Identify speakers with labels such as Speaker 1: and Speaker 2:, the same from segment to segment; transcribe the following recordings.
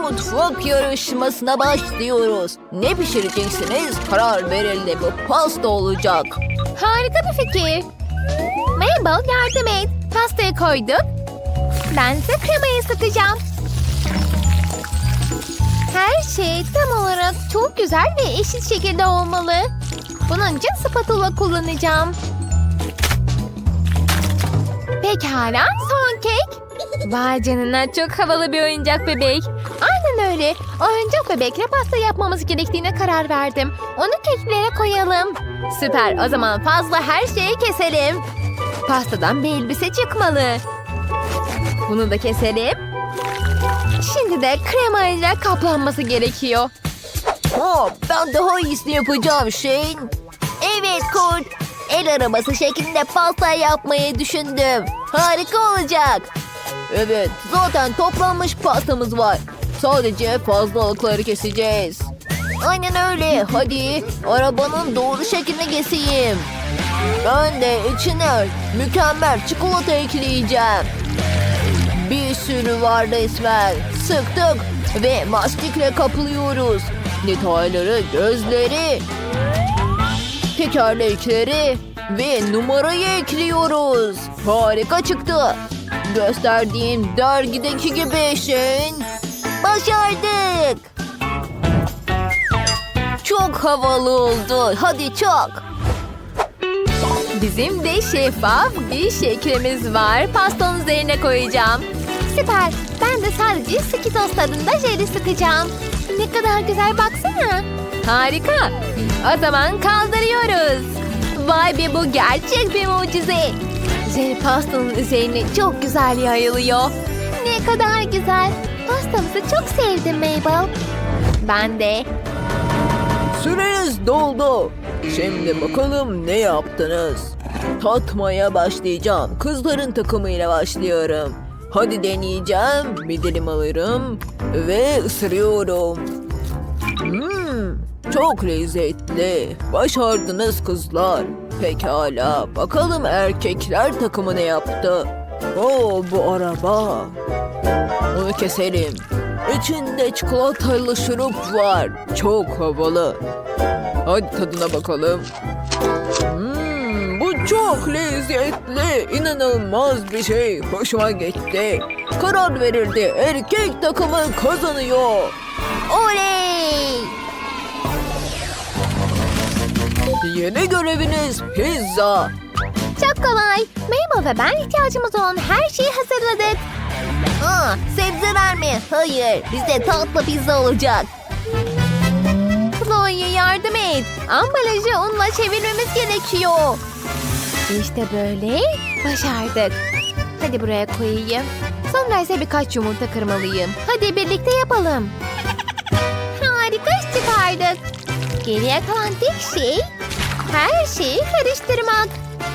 Speaker 1: mutfak yarışmasına başlıyoruz. Ne pişireceksiniz? Karar verildi. Bu pasta olacak.
Speaker 2: Harika bir fikir. Mabel yardım et. Pastayı koyduk. Ben ise kremayı ısıtacağım. Her şey tam olarak çok güzel ve eşit şekilde olmalı. Bunun için spatula kullanacağım. Pekala, son kek. Vay canına, çok havalı bir oyuncak bebek. Aynen öyle. Oyuncak bebekle pasta yapmamız gerektiğine karar verdim. Onu keklere koyalım. Süper, o zaman fazla her şeyi keselim. Pastadan bir elbise çıkmalı. Bunu da keselim. Şimdi de kremayla kaplanması gerekiyor.
Speaker 1: Ben daha iyisini yapacağım Shane.
Speaker 2: Evet Kurt. El arabası şeklinde pasta yapmayı düşündüm.
Speaker 1: Harika olacak. Evet, zaten toplanmış pastamız var. Sadece fazlalıkları keseceğiz. Aynen öyle. Hadi arabanın doğru şeklini keseyim. Ben de içine mükemmel çikolata ekleyeceğim. Bir sürü var resmen. Sıktık ve mastikle kaplıyoruz. Detayları, gözleri, tekerlekleri ve numarayı ekliyoruz. Harika çıktı. Gösterdiğim dergideki gibi Shane. Başardık. Çok havalı oldu. Hadi çok.
Speaker 2: Bizim de şeffaf bir şeklimiz var. Pastanın üzerine koyacağım. Süper. Ben de sadece Skittles tadında jeli sıkacağım. Ne kadar güzel, baksana. Harika. O zaman kaldırıyoruz. Vay be, bu gerçek bir mucize. Jeli pastanın üzerine çok güzel yayılıyor. Ne kadar güzel. Pastamızı çok sevdim Mabel. Ben de.
Speaker 1: Süreniz doldu. Şimdi bakalım ne yaptınız? Tatmaya başlayacağım. Kızların takımıyla başlıyorum. Hadi deneyeceğim. Bir dilim alırım ve ısırıyorum. Çok lezzetli. Başardınız kızlar. Pekala. Bakalım erkekler takımı ne yaptı? Bu araba. Onu keselim. İçinde çikolatalı şurup var. Çok havalı. Hadi tadına bakalım. Bu çok lezzetli. İnanılmaz bir şey. Hoşuma gitti. Karar verildi. Erkek takımı kazanıyor.
Speaker 2: Oley!
Speaker 1: Yeni göreviniz pizza.
Speaker 2: Çok kolay. Mabel ve ben ihtiyacımız olan her şeyi hazırladık.
Speaker 1: Sebzeler mi? Hayır. Bizde tatlı pizza olacak.
Speaker 2: Chloe, yardım et. Ambalajı unla çevirmemiz gerekiyor. İşte böyle. Başardık. Hadi buraya koyayım. Sonra ise birkaç yumurta kırmalıyım. Hadi birlikte yapalım. Harika iş çıkardık. Geriye kalan tek şey her şeyi karıştırmak.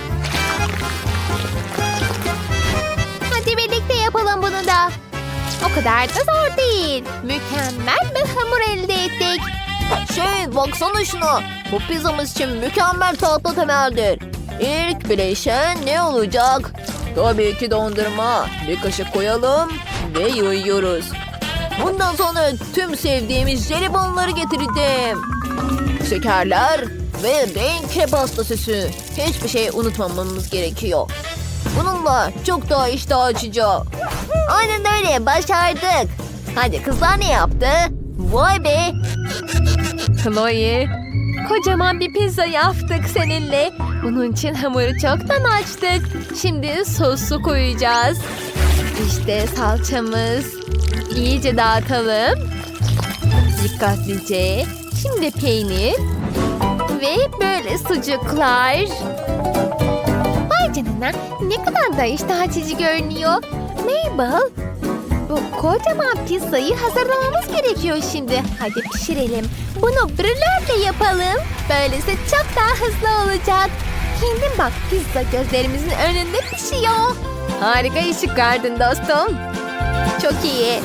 Speaker 2: Hadi birlikte yapalım bunu da. O kadar da zor değil. Mükemmel bir hamur elde ettik.
Speaker 1: Baksana şuna. Bu pizzamız için mükemmel tatlı temeldir. İlk bileşen ne olacak? Tabii ki dondurma. Bir kaşık koyalım ve yayıyoruz. Bundan sonra tüm sevdiğimiz jelibonları getirdim. Şekerler ve renkli pasta süsü. Hiçbir şey unutmamamız gerekiyor. Bununla çok daha iştah açacak.
Speaker 2: Aynen öyle, başardık. Hadi kızlar ne yaptı? Vay be. Chloe, kocaman bir pizza yaptık seninle. Bunun için hamuru çoktan açtık. Şimdi sosu koyacağız. İşte salçamız. İyice dağıtalım. Dikkatlice. Şimdi peynir. Ve böyle sucuklar. Vay canına, ne kadar da iştah açıcı görünüyor. Mabel, bu kocaman pizzayı hazırlamamız gerekiyor şimdi. Hadi pişirelim. Bunu brülörle yapalım. Böylesi çok daha hızlı olacak. Kendin bak, pizza gözlerimizin önünde pişiyor. Harika iş çıkardın dostum. Çok iyi.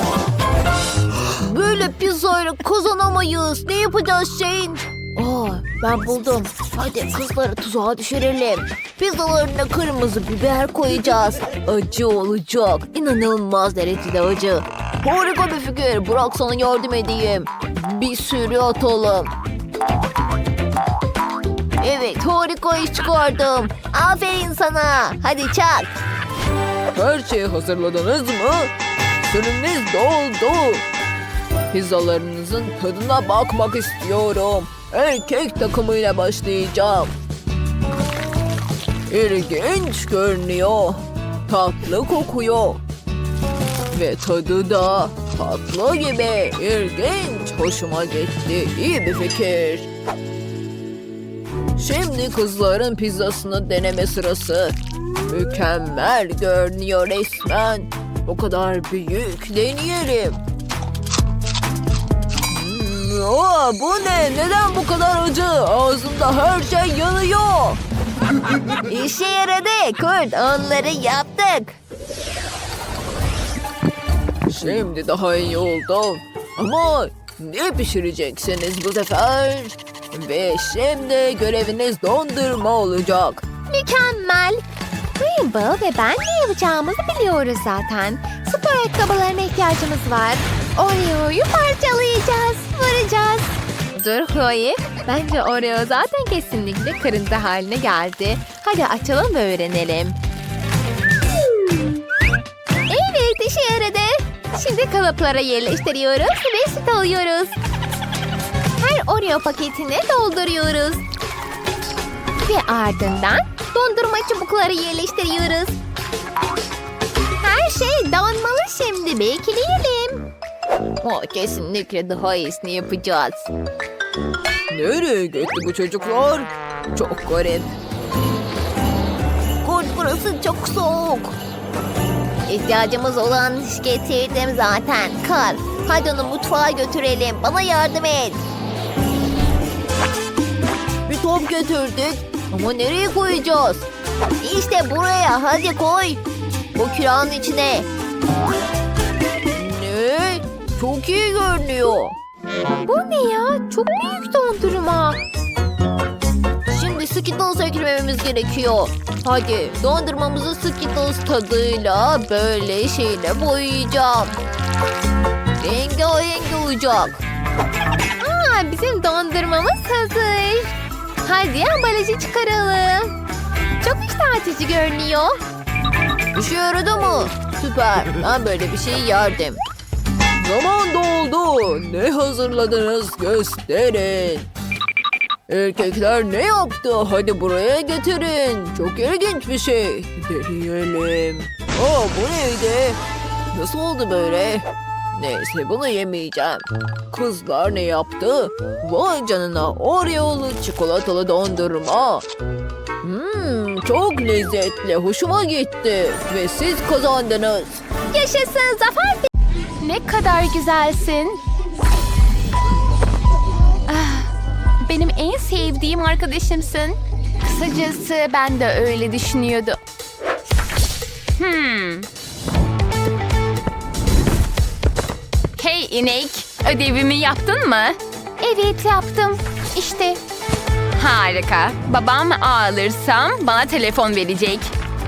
Speaker 1: Böyle pizzayla kazanamayız. Ne yapacağız Shane? Ben buldum. Hadi kızları tuzağa düşürelim. Pizzalarına kırmızı biber koyacağız. Acı olacak. İnanılmaz derecede acı. Harika bir fikir. Bırak sana yardım edeyim. Bir sürü atalım. Evet, harika iş çıkardım. Aferin sana. Hadi çak.
Speaker 3: Her şeyi hazırladınız mı? Sürümünüz doldu. Pizzalarınızın tadına bakmak istiyorum. Erkek takımıyla başlayacağım. İlginç görünüyor. Tatlı kokuyor. Ve tadı da tatlı gibi. İlginç. Hoşuma gitti. İyi bir fikir. Şimdi kızların pizzasını deneme sırası. Mükemmel görünüyor resmen. O kadar büyük. Deneyelim. Bu ne? Neden bu kadar acı? Ağzımda her şey yanıyor.
Speaker 1: İşe yaradı Kurt. Onları yaptık.
Speaker 3: Şimdi daha iyi oldu. Ama ne pişireceksiniz bu sefer? Ve şimdi göreviniz dondurma olacak.
Speaker 2: Mükemmel. Rainbow ve ben ne yapacağımızı biliyoruz zaten. Spor ayakkabılarına ihtiyacımız var. Oreo'yu parçalayacağız, vuracağız. Dur Chloe. Bence Oreo zaten kesinlikle kırıntı haline geldi. Hadi açalım ve öğrenelim. Evet, işe yaradı. Şimdi kalıplara yerleştiriyoruz ve süt alıyoruz. Her Oreo paketine dolduruyoruz. Ve ardından dondurma çubukları yerleştiriyoruz. Her şey donmalı şimdi. Bekleyelim.
Speaker 1: Kesinlikle daha iyisini yapacağız.
Speaker 3: Nereye gitti bu çocuklar? Çok garip.
Speaker 1: Kurt, burası çok soğuk. İhtiyacımız olan getirdim zaten. Kar, hadi onu mutfağa götürelim. Bana yardım et. Bir top götürdük. Ama nereye koyacağız? İşte buraya. Hadi koy. Bu kiranın içine. Ne? Çok iyi görünüyor.
Speaker 2: Bu ne ya? Çok büyük dondurma.
Speaker 1: Şimdi Skittles eklememiz gerekiyor. Hadi dondurmamızı Skittles tadıyla böyle şeyle boyayacağım. Rengarenk olacak.
Speaker 2: Bizim dondurmamız hazır. Hadi ambalajı çıkaralım. Çok iştah açıcı görünüyor.
Speaker 1: İşe yaradı mı? Süper. Ben böyle bir şey yerdim.
Speaker 3: Zaman doldu. Ne hazırladınız gösterin. Erkekler ne yaptı? Hadi buraya getirin. Çok ilginç bir şey. Deneyelim. Bu neydi? Nasıl oldu böyle? Neyse bunu yemeyeceğim. Kızlar ne yaptı? Vay canına, Oreo'lu çikolatalı dondurma. Çok lezzetli. Hoşuma gitti. Ve siz kazandınız.
Speaker 2: Yaşasın Zafer. Ne kadar güzelsin. Benim en sevdiğim arkadaşımsın. Kısacası ben de öyle düşünüyordum. Hey inek, ödevimi yaptın mı? Evet yaptım. İşte. Harika. Babam ağlırsam bana telefon verecek.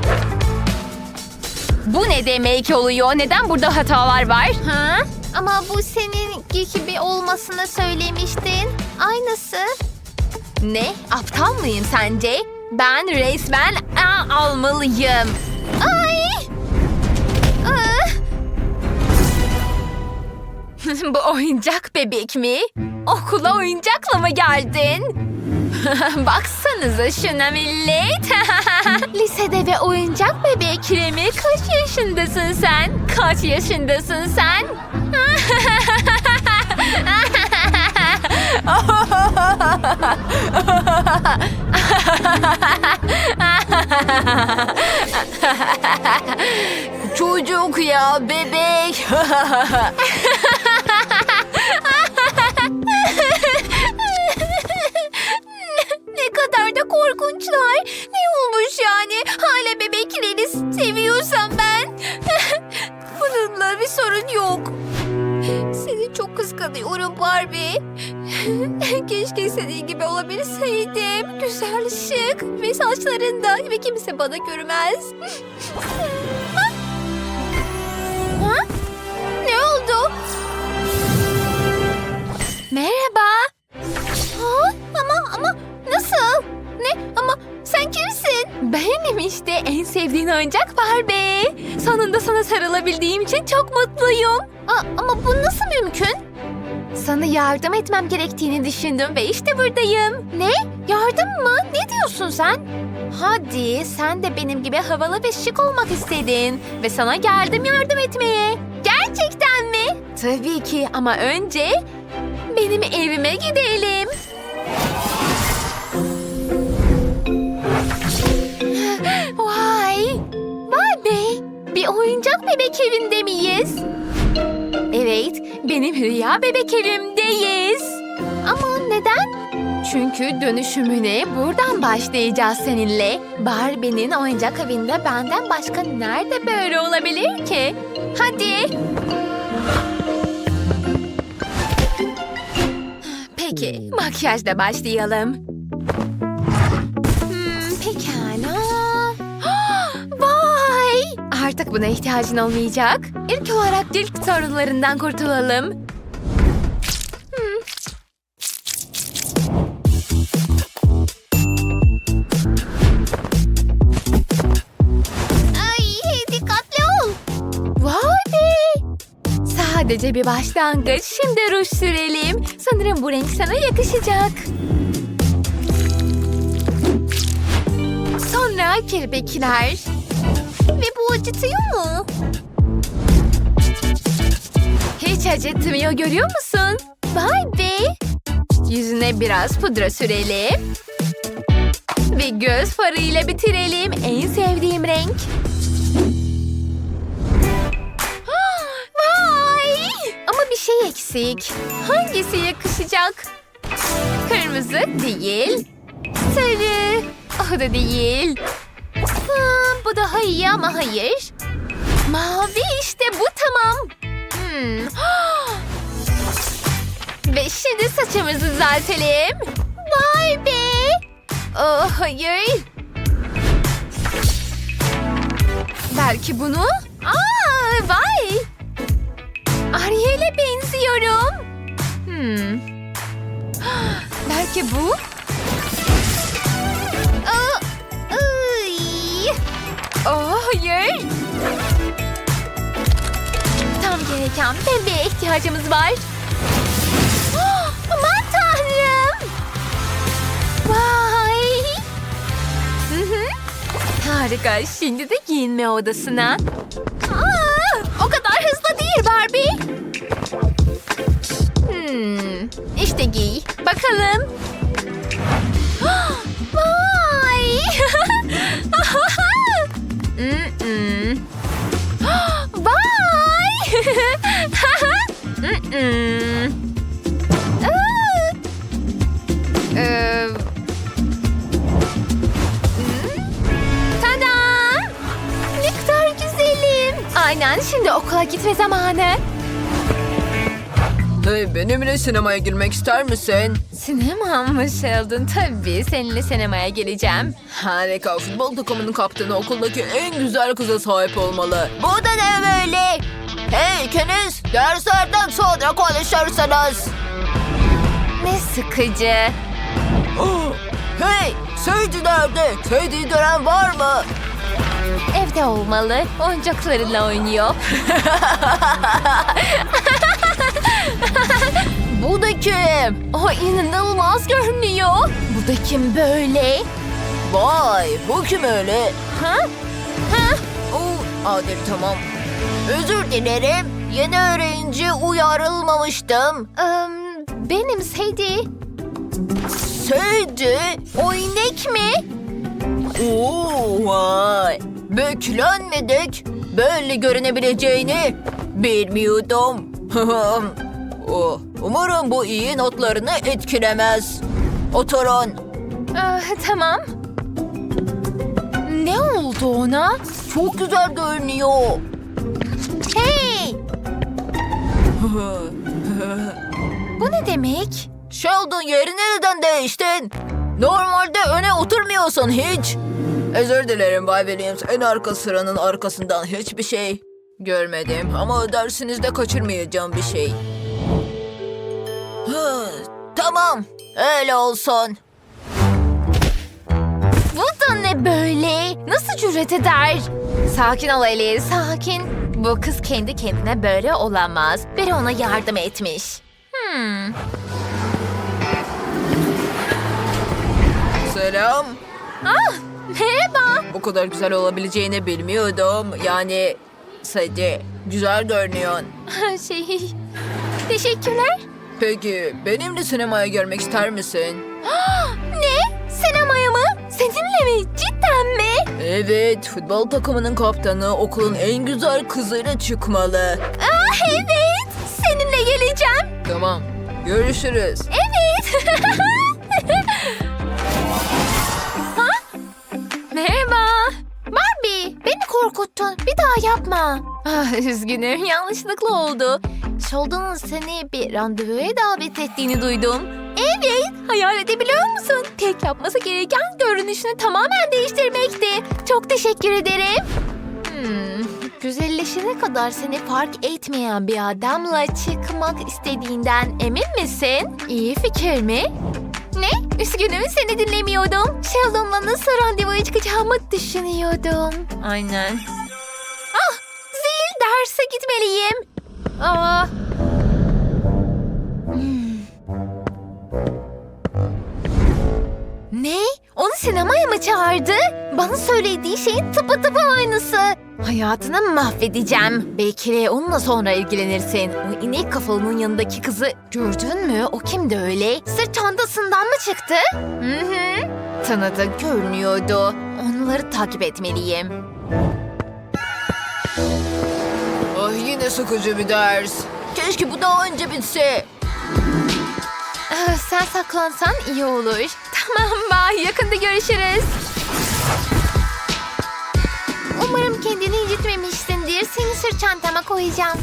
Speaker 2: Bu ne demek oluyor? Neden burada hatalar var? Ama bu senin gibi olmasını söylemiştin. Aynısı. Ne? Aptal mıyım sence? Ben resmen almalıyım. Ay! Bu oyuncak bebek mi? Okula oyuncakla mı geldin? Baksanıza şuna millet. Lisede ve oyuncak bebekle mi? Kaç yaşındasın sen? Kaç yaşındasın sen?
Speaker 1: Çocuk ya, bebek.
Speaker 2: Ne kadar da korkunçlar. Ne olmuş yani? Hala bebekleri seviyorsam ben. Bununla bir sorun yok. Seni çok kıskanıyorum Barbie. Keşke senin gibi olabilseydim. Güzel, şık ve saçlarında ve kimse bana görmez. Ha? Ne oldu? oyuncak Barbie. Sonunda sana sarılabildiğim için çok mutluyum. Ama bu nasıl mümkün? Sana yardım etmem gerektiğini düşündüm ve işte buradayım. Ne? Yardım mı? Ne diyorsun sen? Hadi sen de benim gibi havalı ve şık olmak istedin. Ve sana geldim yardım etmeye. Gerçekten mi? Tabii ki ama önce benim evime gidelim. Vay! Barbie! Bir oyuncak bebek evinde miyiz? Evet, benim rüya bebek evimdeyiz. Ama neden? Çünkü dönüşümüne buradan başlayacağız seninle. Barbie'nin oyuncak evinde benden başka nerede böyle olabilir ki? Hadi. Peki, makyajla başlayalım. Pekala. Vay! Artık buna ihtiyacın olmayacak. İlk olarak cilt sorunlarından kurtulalım. Ay, dikkatli ol. Vay be! Sadece bir başlangıç. Şimdi ruj sürelim. Sanırım bu renk sana yakışacak. Sonra kirpikler. Ve bu acıtıyor mu? Hiç acıtmıyor, görüyor musun? Vay be! Yüzüne biraz pudra sürelim. Ve göz farıyla bitirelim. En sevdiğim renk. Vay! Ama bir şey eksik. Hangisi yakışacak? Kırmızı değil. Sarı. O da değil. Bu daha iyi ama hayır. Mavi işte bu tamam. Ve şimdi saçımızı düzeltelim. Vay be. Oh hayır. Belki bunu. Vay. Ariel'e benziyorum. Belki bu. Oh hayır. Tam gereken bebeğe ihtiyacımız var. Aman tanrım. Vay. Harika. Şimdi de giyinme odasına. O kadar hızlı değil Barbie. İşte giy. Bakalım. Vay. Vay. Tada! Ne kadar güzelim. Aynen, şimdi okula gitme zamanı.
Speaker 3: Hey, benimle sinemaya girmek ister misin?
Speaker 2: Sinema mı Sheldon? Tabii seninle sinemaya geleceğim.
Speaker 3: Harika. Futbol takımının kaptanı okuldaki en güzel kıza sahip olmalı.
Speaker 1: Bu da ne böyle? Hey ikiniz derslerden sonra konuşursunuz.
Speaker 2: Ne sıkıcı.
Speaker 1: Hey Sadie nerede? Sadie'yi gören var mı?
Speaker 2: Evde olmalı. Oyuncaklarıyla oynuyor.
Speaker 1: Bu da kim?
Speaker 2: O inanılmaz görünüyor. Bu da kim böyle?
Speaker 1: Vay bu kim öyle?
Speaker 2: Ha?
Speaker 1: Adil tamam. Özür dilerim. Yeni öğrenci uyarılmamıştım.
Speaker 2: Benim Sadie.
Speaker 1: Sadie?
Speaker 2: O inek mi?
Speaker 1: Oo, vay. Beklenmedik. Böyle görünebileceğini bilmiyordum. Umarım bu iyi notlarını etkilemez. Oturun.
Speaker 2: Tamam. Ne oldu ona?
Speaker 1: Çok güzel görünüyor.
Speaker 2: Hey! Bu ne demek?
Speaker 1: Sheldon yerini neden değiştin? Normalde öne oturmuyorsun hiç.
Speaker 3: Özür dilerim Bay Williams. En arka sıranın arkasından hiçbir şey görmedim. Ama dersinizde kaçırmayacağım bir şey.
Speaker 1: Tamam, öyle olsun.
Speaker 2: Bu da ne böyle? Nasıl cüret eder? Sakin ol Alice, sakin. Bu kız kendi kendine böyle olamaz. Biri ona yardım etmiş.
Speaker 3: Selam.
Speaker 2: Merhaba.
Speaker 3: Bu kadar güzel olabileceğini bilmiyordum. Yani Sadie, güzel görünüyorsun.
Speaker 2: Teşekkürler.
Speaker 3: Peki benimle sinemaya görmek ister misin?
Speaker 2: Ne? Sinemaya mı? Seninle mi? Cidden mi?
Speaker 3: Evet, futbol takımının kaptanı okulun en güzel kızıyla çıkmalı.
Speaker 2: Evet. Seninle geleceğim.
Speaker 3: Tamam, görüşürüz.
Speaker 2: Evet. Merhaba. Barbie, beni korkuttun. Bir daha yapma. Üzgünüm, yanlışlıkla oldu. Sheldon'un seni bir randevuya davet ettiğini duydum. Evet, hayal edebiliyor musun? Tek yapması gereken görünüşünü tamamen değiştirmekti. Çok teşekkür ederim. Güzelleşene kadar seni fark etmeyen bir adamla çıkmak istediğinden emin misin? İyi fikir mi? Ne? Üzgünüm, seni dinlemiyordum. Sheldon'la nasıl randevuya çıkacağımı düşünüyordum. Aynen. Zil, derse gitmeliyim. Ne? Onu sinemaya mı çağırdı? Bana söylediği şeyin tıpatıp aynısı. Hayatını mahvedeceğim. Belki de onunla sonra ilgilenirsin. O inek kafalının yanındaki kızı gördün mü? O kimdi öyle? Sırt çantasından mı çıktı? Hı. Tanıdık görünüyordu. Onları takip etmeliyim.
Speaker 3: Ah, yine sıkıcı bir ders. Keşke bu daha önce bitse.
Speaker 2: Sen saklansan iyi olur. Tamam, bye. Yakında görüşürüz. Umarım kendini incitmemişsindir. Seni sırt çantama koyacağım.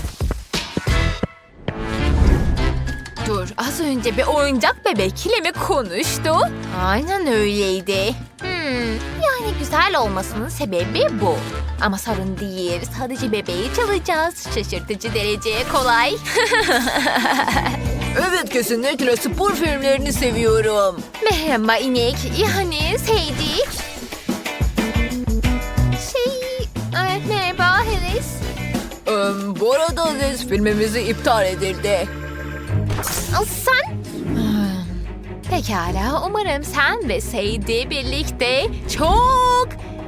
Speaker 2: Dur, az önce bir oyuncak bebekle mi konuştu? Aynen öyleydi. Yani güzel olmasının sebebi bu. Ama sorun değil. Sadece bebeği çalacağız. Şaşırtıcı dereceye kolay.
Speaker 3: Evet, kesinlikle spor filmlerini seviyorum.
Speaker 2: Merhaba inek. Yani sevdik. Merhaba Alice.
Speaker 3: Bu arada Liz, filmimizi iptal edildi.
Speaker 2: Sen? Pekala. Umarım sen ve Sadie birlikte çok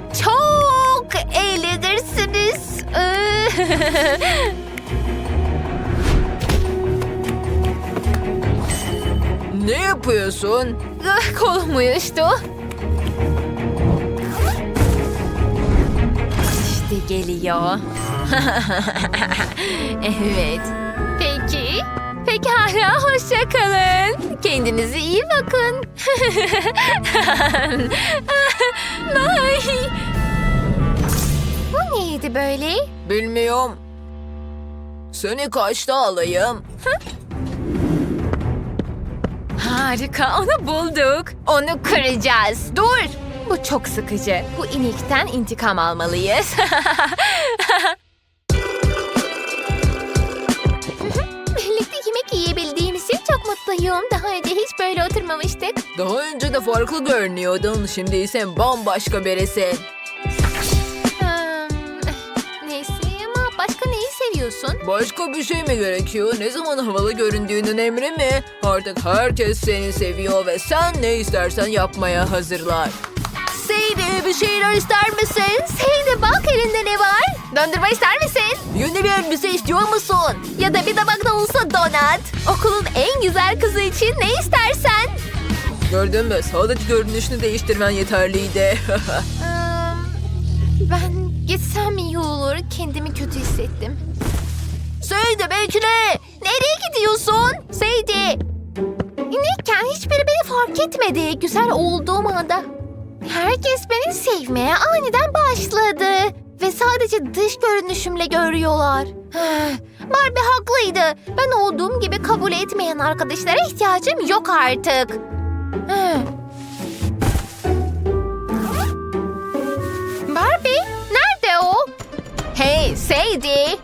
Speaker 2: eğlenirsiniz.
Speaker 3: Ne yapıyorsun?
Speaker 2: Kolum uyuştu. İşte geliyor. Evet. Peki. Pekala, hoşça kalın. Kendinize iyi bakın. Bye. Bu neydi böyle?
Speaker 3: Bilmiyorum. Seni kaçta alayım?
Speaker 2: Harika, onu bulduk. Onu kıracağız. Dur. Bu çok sıkıcı. Bu inekten intikam almalıyız. Birlikte yemek yiyebildiğimiz için çok mutluyum. Daha önce hiç böyle oturmamıştık.
Speaker 3: Daha önce de farklı görünüyordun. Şimdi ise bambaşka birisin.
Speaker 2: Neyse ama başka neyi seviyorsun?
Speaker 3: Başka bir şey mi gerekiyor? Ne zaman havalı göründüğünün emri mi? Artık herkes seni seviyor ve sen ne istersen yapmaya hazırlar.
Speaker 1: Sadie, bir şeyler ister misin?
Speaker 2: Sadie, bak elinde ne var? Dondurma ister misin?
Speaker 1: Yeni bir elbise istiyor musun?
Speaker 2: Ya da bir tabak da olsa donat. Okulun en güzel kızı için ne istersen.
Speaker 3: Gördün mü? Sadece görünüşünü değiştirmen yeterliydi.
Speaker 2: Ben gitsem iyi olur. Kendimi kötü hissettim.
Speaker 1: Sadie, bekle.
Speaker 2: Nereye gidiyorsun? Sadie. İnekken hiçbiri beni fark etmedi. Güzel olduğum anda. Herkes beni sevmeye aniden başladı. Ve sadece dış görünüşümle görüyorlar. Barbie haklıydı. Ben olduğum gibi kabul etmeyen arkadaşlara ihtiyacım yok artık. Barbie, nerede o? Hey Sadie.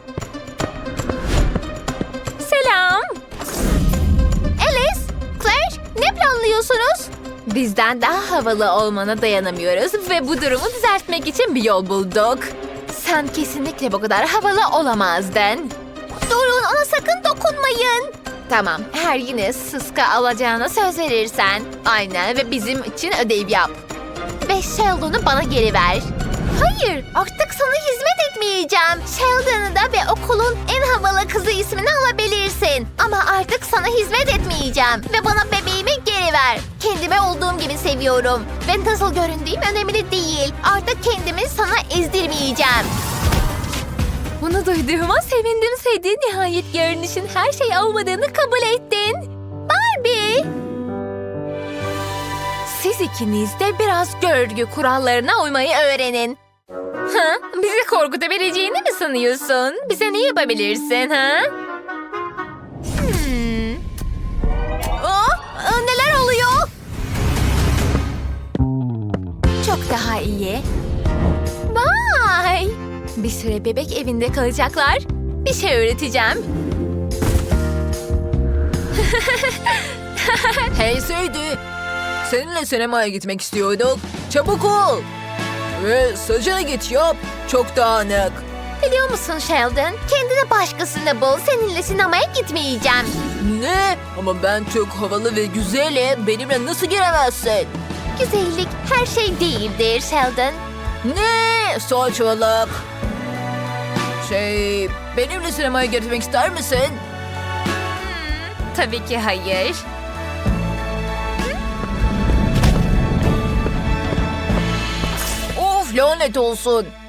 Speaker 2: Selam. Alice, Claire, ne planlıyorsunuz? Bizden daha havalı olmana dayanamıyoruz ve bu durumu düzeltmek için bir yol bulduk. Sen kesinlikle bu kadar havalı olamazdın. Durun, ona sakın dokunmayın. Tamam, her yine sıska alacağına söz verirsen. Aynen, ve bizim için ödev yap. Ve Sheldon'u bana geri ver. Hayır, artık sana hizmet etmeyeceğim. Sheldon'u da ve okulun en havalı kızı ismini alabilirsin. Ama artık sana hizmet etmeyeceğim. Ve bana bebeğimi geri ver. Kendimi olduğum gibi seviyorum. Ve nasıl göründüğüm önemli değil. Artık kendimi sana ezdirmeyeceğim. Bunu duyduğuma sevindim Sadie. Nihayet görünüşün her şey olmadığını kabul ettin. Barbie! Siz ikiniz de biraz görgü kurallarına uymayı öğrenin. Ha? Bizi korkutabileceğini mi sanıyorsun? Bize ne yapabilirsin ha? Neler oluyor? Çok daha iyi. Vay! Bir süre bebek evinde kalacaklar. Bir şey öğreteceğim.
Speaker 3: Hey Sadie. Seninle sinemaya gitmek istiyorduk. Çabuk ol. Ve saçını git yap. Çok dağınık.
Speaker 2: Biliyor musun Sheldon? Kendine başkasını bul. Seninle sinemaya gitmeyeceğim.
Speaker 3: Ne? Ama ben çok havalı ve güzelim. Benimle nasıl giremezsin?
Speaker 2: Güzellik her şey değildir Sheldon.
Speaker 3: Ne? Saçmalık. Benimle sinemaya gitmek ister misin?
Speaker 2: Tabii ki hayır.
Speaker 3: Of, lanet olsun.